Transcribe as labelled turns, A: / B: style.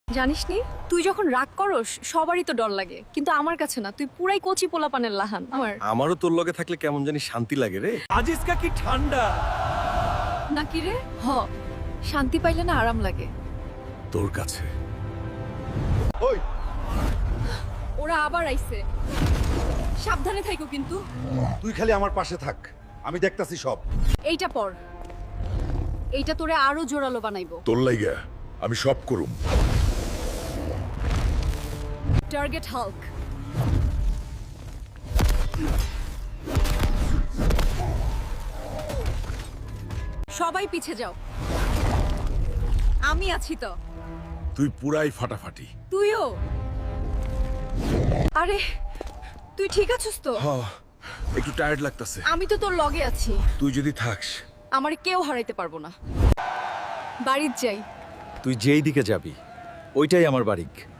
A: জানিসনি তুই যখন রাগ করস সবারই তো ডর লাগে, কিন্তু আমার কাছে না, তুই পুরাই কচি পোলাপানের লাহান আমার।
B: আমারও তোর লগে থাকলে কেমন জানি শান্তি লাগে রে।
C: আজিজকা কি ঠান্ডা।
A: নাকি রে? শান্তি পাইলে না আরাম লাগে।
B: তোর কাছে
D: ওই
A: ওরা আবার আইছে, সাবধানে থাইকো কিন্তু।
D: তুই খালি আমার পাশে থাক, আমি দেখতাছি সব।
A: এইটা পর, এইটা তোরে আরো জোরালো বানাইবো।
D: তোর লাইগা আমি সব করুম।
A: Target Hulk. সবাই পিছে যাও, আমি আছি তো।
D: তুই পুরাই ফাটাফাটি।
A: তুইও। আরে তুই ঠিক আছিস তো?
B: একটু টায়ার্ড লাগতাছে।
A: আমি তো তোর লগে আছি,
B: তুই যদি থাকস।
A: আমার কেউ হারাইতে পারবো না। বাড়ির যাই।
C: তুই যেই দিকে যাবি ওইটাই আমার বাড়ি।